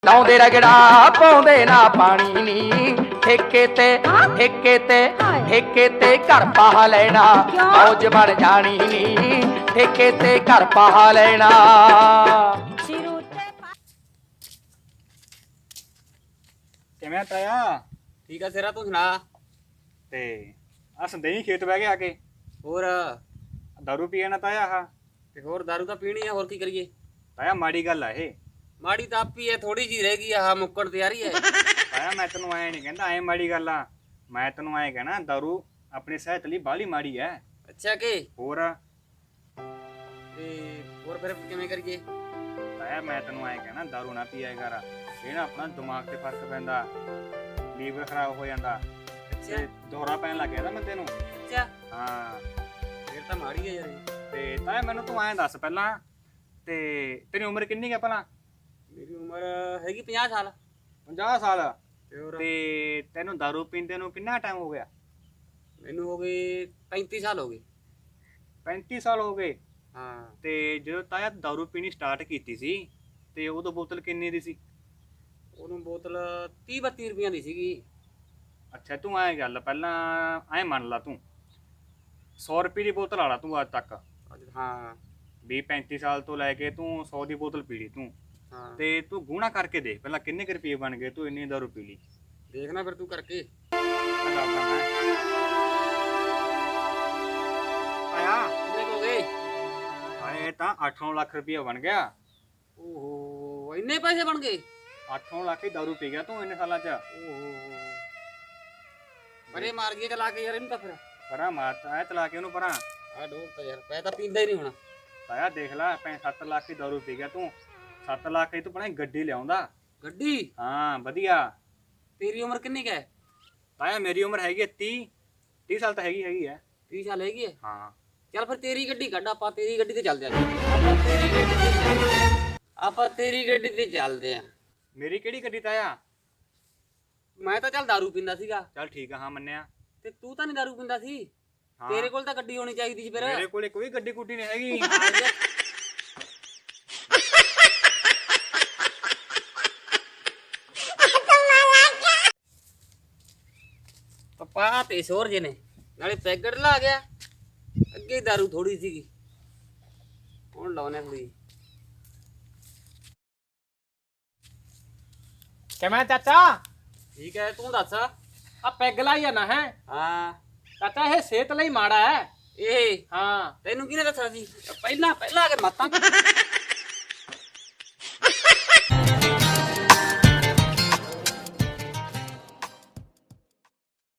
ਲਾਉਂਦੇ ਰਗੜਾ ਪਾਉਂਦੇ ਨਾ ਪਾਣੀ ਨੀ ਠੇਕੇ ਤੇ ਘਰ ਪਾ ਲੈਣਾ ਮੌਜ ਬਣ ਜਾਣੀ ਨੀ ਠੇਕੇ ਤੇ ਘਰ ਪਾ ਲੈਣਾ। ਕਿਵੇਂ ਤਾਇਆ? ਠੀਕ ਆ ਸਿਰਾ, ਤੂੰ ਸੁਣਾ? ਤੇ ਆ ਸੰਦੇਹੀ ਖੇਤ ਬਹਿ ਕੇ ਆ ਕੇ ਹੋਰ ਦਾਰੂ ਪੀਏ ਨਾ ਤਾਇਆ। ਆਹ ਤੇ ਹੋਰ ਦਾਰੂ ਤਾਂ ਪੀਣੀ ਆ, ਹੋਰ ਕੀ ਕਰੀਏ? ਤਾਇਆ ਮਾੜੀ ਗੱਲ ਆ ਇਹ। ਮਾੜੀ ਤਾਂ ਆਪੀ ਐ, ਥੋੜੀ ਜੀ ਰਹਿ ਗਈ ਆ ਮੁੱਕਣ ਤਿਆਰੀ ਐ। ਤਾਇਆ ਮੈਂ ਤੈਨੂੰ ਐ ਨਹੀਂ ਕਹਿੰਦਾ ਐ ਮਾੜੀ ਗੱਲ ਆ, ਮੈਂ ਤੈਨੂੰ ਐ ਕਹਿਣਾ ਦਾਰੂ ਆਪਣੀ ਸਿਹਤ ਲਈ ਬਾਹਲੀ ਮਾੜੀ ਐ। ਅੱਛਾ ਕਿ ਹੋਰ ਤੇ ਹੋਰ ਫਿਰ ਕਿਵੇਂ ਕਰੀਏ? ਤਾਇਆ ਮੈਂ ਤੈਨੂੰ ਐ ਕਹਿਣਾ ਦਾਰੂ ਨਾ ਪੀਆ ਕਰ, ਇਹ ਨਾ ਆਪਣਾ ਦਿਮਾਗ ਤੇ ਫਰਕ ਪੈਂਦਾ, ਲੀਵਰ ਖਰਾਬ ਹੋ ਜਾਂਦਾ ਤੇ ਦੋਹਰਾ ਪੈਣ ਲੱਗ ਜਾਂਦਾ ਬੰਦੇ ਨੂੰ। ਅੱਛਾ ਹਾਂ ਫਿਰ ਤਾਂ ਮਾੜੀ ਐ ਯਾਰ ਇਹ। ਤੇ ਤਾਇਆ ਮੈਨੂੰ ਤੂੰ ਐਂ ਦੱਸ ਪਹਿਲਾਂ, ਤੇ ਤੇਰੀ ਉਮਰ ਕਿੰਨੀ ਹੈ ਭਲਾ? ਮੇਰੀ ਉਮਰ ਹੈਗੀ 50 ਸਾਲ। 50 ਸਾਲ? ਤੇ ਹੋਰ ਤੇ ਤੈਨੂੰ ਦਾਰੂ ਪੀਂਦੇ ਨੂੰ ਕਿੰਨਾ ਟਾਈਮ ਹੋ ਗਿਆ? ਮੈਨੂੰ ਹੋ ਗਏ 35 ਸਾਲ ਹੋ ਗਏ। 35 ਸਾਲ ਹੋ ਗਏ? ਹਾਂ। ਤੇ ਜਦੋਂ ਤਾਇਆ ਦਾਰੂ ਪੀਣੀ ਸਟਾਰਟ ਕੀਤੀ ਸੀ ਤੇ ਉਦੋਂ ਬੋਤਲ ਕਿੰਨੀ ਦੀ ਸੀ? ਉਹਨੂੰ ਬੋਤਲ 30-32 ਰੁਪਈਆਂ ਦੀ ਸੀਗੀ। ਅੱਛਾ ਤੂੰ ਐਂ ਗੱਲ ਪਹਿਲਾਂ ਐਂ ਮੰਨ ਲਾ, ਤੂੰ 100 ਰੁਪਏ ਦੀ ਬੋਤਲ ਵਾਲਾ ਤੂੰ ਅੱਜ ਤੱਕ। ਹਾਂ 20-35 ਸਾਲ ਤੋਂ ਲੈ ਕੇ ਤੂੰ 100 ਦੀ ਬੋਤਲ ਪੀ ਲਈ ਤੂੰ। ਹਾਂ ਤੇ ਤੂੰ ਗੂਣਾ ਕਰਕੇ ਦੇਖ ਪਹਿਲਾਂ ਕਿੰਨੇ ਕੁ ਰੁਪਏ ਬਣ ਗਏ ਤੂੰ ਇੰਨੀ ਦਾਰੂ ਪੀ ਲਈ। ਦੇਖਣਾ ਫਿਰ ਤੂੰ ਕਰਕੇ। ਆਇਆ ਕਿੰਨੇ ਕੁ ਹੋ ਗਏ? ਆਏ ਤਾਂ 8-9 ਲੱਖ ਰੁਪਏ ਬਣ ਗਿਆ। ਓਹੋ ਇੰਨੇ ਪੈਸੇ ਬਣ ਗਏ? 8-9 ਲੱਖ ਦੀ ਦਾਰੂ ਪੀ ਗਿਆ ਤੂੰ ਇੰਨੇ ਸਾਲਾਂ 'ਚ। ਓਹੋ ਮਰੇ ਮਾਰ ਗਏ ਚਲਾ ਕੇ ਯਾਰ ਇਹਨੂੰ ਤਾਂ ਫਿਰ। ਪਰਾਂ ਮਾਰਤਾ ਐ ਚਲਾ ਕੇ ਉਹਨੂੰ ਪਰਾਂ। ਆ ਡੋਲ ਤਾਂ ਯਾਰ ਪੈ ਤਾਂ ਪੀਂਦਾ ਹੀ ਨਹੀਂ ਹੋਣਾ। ਤਾਇਆ ਦੇਖ ਲੈ 7 ਲੱਖ ਦੀ ਦਾਰੂ ਪੀ ਗਿਆ ਤੂੰ। 7 ਲੱਖ ਦੀ ਤੂੰ ਬਣਾ ਗੱਡੀ ਲਿਆਉਂਦਾ। ਗੱਡੀ? ਹਾਂ ਵਧੀਆ। ਤੇਰੀ ਉਮਰ ਕਿੰਨੀ ਕੁ ਹੈ? ਤਾਇਆ ਮੇਰੀ ਉਮਰ ਹੈਗੀ ਹੈ 30 ਸਾਲ ਤਾਂ ਹੈਗੀ ਹੈ। 30 ਸਾਲ ਹੈਗੀ ਹੈ? ਹਾਂ ਚੱਲ ਫਿਰ ਤੇਰੀ ਗੱਡੀ ਕੱਢ, ਆਪਾਂ ਤੇਰੀ ਗੱਡੀ ਤੇ ਚੱਲਦੇ ਆਂ। ਆਪਾਂ ਤੇਰੀ ਗੱਡੀ ਤੇ ਚੱਲਦੇ ਆਂ। ਮੇਰੀ ਕਿਹੜੀ ਗੱਡੀ ਤਾਇਆ? ਮੈਂ ਤਾਂ ਚੱਲ ਦਾਰੂ ਪੀਂਦਾ ਸੀਗਾ। ਚੱਲ ਠੀਕ ਆ, ਹਾਂ ਮੰਨਿਆ। ਤੇ ਤੂੰ ਤਾਂ ਨਹੀਂ ਦਾਰੂ ਪੀਂਦਾ ਸੀ? ਹਾਂ। ਤੇਰੇ ਕੋਲ ਤਾਂ ਗੱਡੀ ਹੋਣੀ ਚਾਹੀਦੀ ਸੀ ਫਿਰ। ਮੇਰੇ ਕੋਲੇ ਕੋਈ ਗੱਡੀ ਗੁੱਡੀ ਨਹੀਂ ਹੈਗੀ। ਪਪਾ ਤੇ ਸ਼ੋਰ ਜੇ ਨੇ ਨਾਲੇ ਪੈਕਟ ਲਾ ਗਿਆ। ਅੱਗੇ ਦਾਰੂ ਥੋੜੀ ਸੀਗੀ, ਹੁਣ ਲਾਉਣੇ ਥੋੜੀ। ਕਿਵੇਂ ਚਾਚਾ? ਠੀਕ ਹੈ ਤੂੰ ਦੱਸ। ਆ ਪੈਗ ਲਾਈ ਜਾਣਾ ਹੈ? ਹਾਂ ਚਾਚਾ ਇਹ ਸਿਹਤ ਲਈ ਮਾੜਾ ਹੈ। ਇਹ ਹਾਂ ਤੈਨੂੰ ਕਿਹਨੇ ਦੱਸਿਆ ਸੀ? ਪਹਿਲਾਂ ਆ ਕੇ ਮੱਤਾਂ